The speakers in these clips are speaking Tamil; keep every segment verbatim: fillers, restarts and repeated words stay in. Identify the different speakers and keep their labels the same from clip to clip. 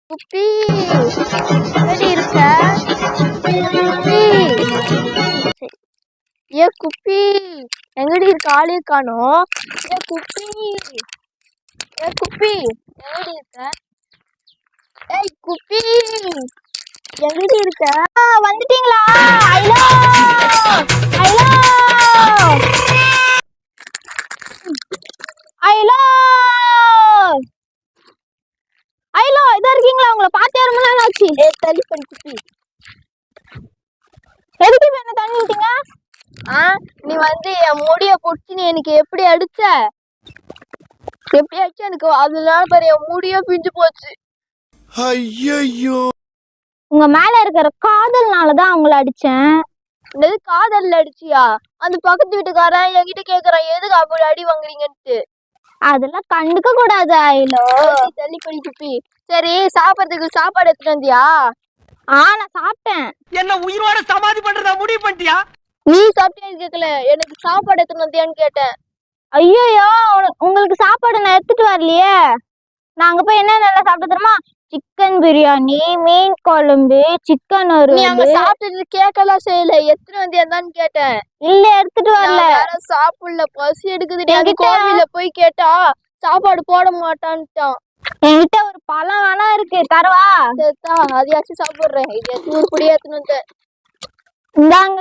Speaker 1: குப்பி எங்கடி இருக்க? குப்பி ஏ குப்பி எங்கடி இருக்க? ஆளே காணோம். ஏ குப்பி ஏ குப்பி எங்கடி இருக்க? ஏய் குப்பி எங்கடி இருக்க? வந்துட்டீங்களா? ஹலோ ஹலோ ஹலோ ஹலோ இதா இருக்கீங்களா? உங்களை பார்த்தே ரொம்ப நாள் ஆச்சு. ஏ தள்ளி பண்ணி குப்பி எதுக்கு இப்ப என்ன தண்ணி விட்டீங்க? ஆ நீ வந்து என் முடிய புடிச்சு நீ எனக்கு எப்படி அடிச்ச? எப்படி அடிச்ச எனக்கு அதனால பாரு என் முடிய பிஞ்சு போச்சு.
Speaker 2: ஐயோ
Speaker 1: உங்க மேல இருக்கிற காதல்னாலதான் அவங்கள அடிச்சேன். என்னது காதல்ல அடிச்சியா? அந்த பக்கத்து வீட்டுக்காரன் என்கிட்ட கேக்குறான் எதுக்கு அப்படி அடி வாங்குறீங்கன்ட்டு. அதெல்லாம் கண்டுக்க கூடாது. ஐலோ தள்ளி பண்ணி குப்பி. சரி சாப்பிடறதுக்கு சாப்பாடு எடுத்துட்டு வந்தியா? ஆ நான் சாப்பிட்டேன்.
Speaker 3: என்ன உயிரோட சமாதி பண்றதா முடிவு பண்ணிட்டியா?
Speaker 1: நீ சாப்பிட்டேன்னு கேட்கல, எனக்கு சாப்பாடு எடுத்துட்டு வந்தியான்னு கேட்டேன். ஐயோ உங்களுக்கு சாப்பாடு நான் எடுத்துட்டு வரலையே. நாங்க போய் என்ன நல்லா சாப்பிட்டு தெரியுமா? சிக்கன் பிரியாணி, மீன் குழம்பு, சிக்கன் ஒரு சாப்பிட்டது கேட்கலாம் செய்யல. எத்தனை வந்தியான்னு கேட்டேன். இல்ல எடுத்துட்டு வரல. சாப்பிடல, பசி எடுக்குது. கோவில போய் கேட்டா சாப்பாடு போட மாட்டான்ட்டான். என்கிட்ட ஒரு பழம் வேணா இருக்கு, தரவா? அதையாச்சும் சாப்பிடுறேன். இது நூறு பொடி ஏத்துன்னு வந்தேன். இந்தாங்க.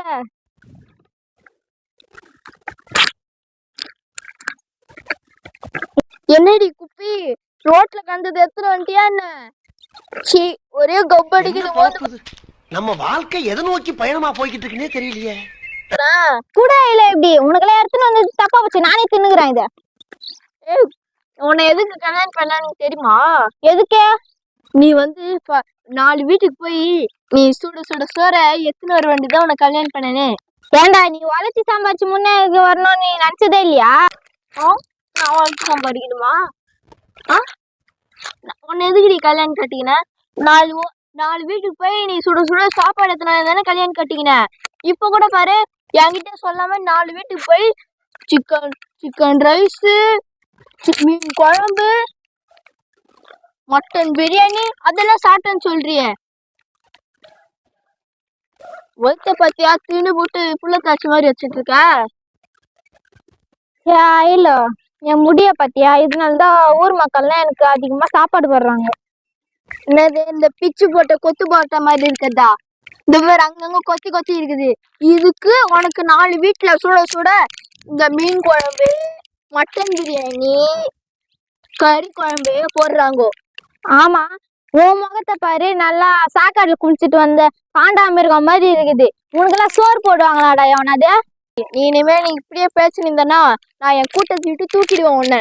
Speaker 1: என்னடி குப்பி ரோட்ல கண்டது எத்தனை வண்டியா என்ன? சீ ஒரே கப்படிக்குது.
Speaker 3: நம்ம வாழ்க்கை எதை நோக்கி பயணமா போய்கிட்டு இருக்குன்னே தெரியலையே.
Speaker 1: கூட இல்ல எப்படி உனக்குலாம் எடுத்துன்னு வந்து தப்பா போச்சு. நானே தின்னுக்கிறேன் இத. ஏய் உன்னை எதுக்கு கல்யாணம் பண்ணலான்னு தெரியுமா? எதுக்கு? நீ வந்து நாலு வீட்டுக்கு போய் நீ சுட சுட சோற எத்தனை வர வேண்டியதான் உன்னை கல்யாணம் பண்ணனே. ஏண்டா நீ உழைச்சி சம்பாதிச்சு முன்னே வரணும்னு நீ நினைச்சதே இல்லையா? நான் உழைச்சி சம்பாதிக்கணுமா? ஆ உன்னை எதுக்கு நீ கல்யாணம் கட்டிக்கின? நாலு நாலு வீட்டுக்கு போய் நீ சுட சுட சாப்பாடு எத்தனை தானே கல்யாணம் கட்டிக்கின. இப்ப கூட பாரு என்கிட்ட சொல்லாம நாலு வீட்டுக்கு போய் சிக்கன் சிக்கன் ரைஸு, மீன் குழம்பு, மட்டன் பிரியாணி அதெல்லாம் சாப்பிட்டேன்னு சொல்றியே. ஒருத்த பத்தியா தின்னு போட்டு புள்ள காய்ச்சி மாதிரி வச்சுட்டு இருக்க. இல்ல என் முடிய பத்தியா? இதனாலதான் ஊர் மக்கள்லாம் எனக்கு அதிகமா சாப்பாடு போடுறாங்க. என்னது இந்த பிச்சு போட்ட கொத்து போட்ட மாதிரி இருக்குதா? இந்த மாதிரி அங்கங்க கொத்தி கொத்தி இருக்குது. இதுக்கு உனக்கு நாலு வீட்டுல சுட சுட இந்த மீன் குழம்பு, மட்டன் பிரியாணி, கறி குழம்பு போடுறாங்க. ஆமா உன் முகத்தை பாரு, நல்லா சாக்காடுல குளிச்சுட்டு வந்த காண்டாமிருகம் மாதிரி இருக்குது. உனக்கெல்லாம் சோறு போடுவாங்களாடா எவனாவது? நீ இனிமே நீ இப்படியே பேசினிருந்தனா நான் என் கூட்டத்தை விட்டு தூக்கிடுவேன் உன்னை.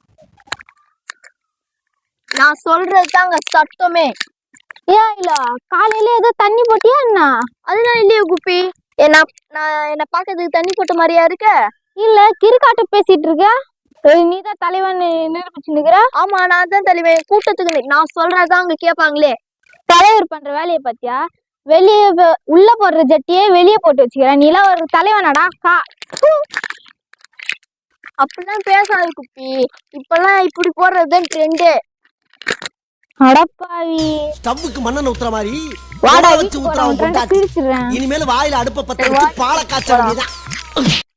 Speaker 1: நான் சொல்றதுதாங்க சட்டமே. ஏன் இல்ல காலையில ஏதோ தண்ணி போட்டியா என்ன? அதுதான் இல்லையே குப்பி. என்ன நான் என்ன பாக்கிறதுக்கு தண்ணி போட்ட மாதிரியா இருக்க? இல்ல கிறுக்காட்ட பேசிட்டு இருக்க. நீதான் தலைவன் நிரூபிச்சுக்கிற. ஆமா நான் தான் தலைவன். கூட்டத்துக்கு நான் சொல்றதான் அங்க கேட்பாங்களே. தலைவர் பண்ற வேலையை பத்தியா? வெளியே உள்ள போடுற ஜட்டியே வெளியே போட்டு வச்சுக்கிறேன். நீலாம் ஒரு தலைவனாடா? கா அப்படிலாம் பேசாது குப்பி. இப்பெல்லாம் இப்படி போடுறதுதான் ட்ரெண்டு. அடப்பாவி
Speaker 3: ஸ்டவ்வுக்கு மண்ணெண்ணெய் ஊத்துற மாதிரி
Speaker 1: வாடா
Speaker 3: வச்சு ஊத்துறவன்.
Speaker 1: பிரிச்சிடுறேன்.
Speaker 3: இனிமேல் வாயில அடுப்ப பத்த வச்சு பாலை காய்ச்ச வேண்டியதான்.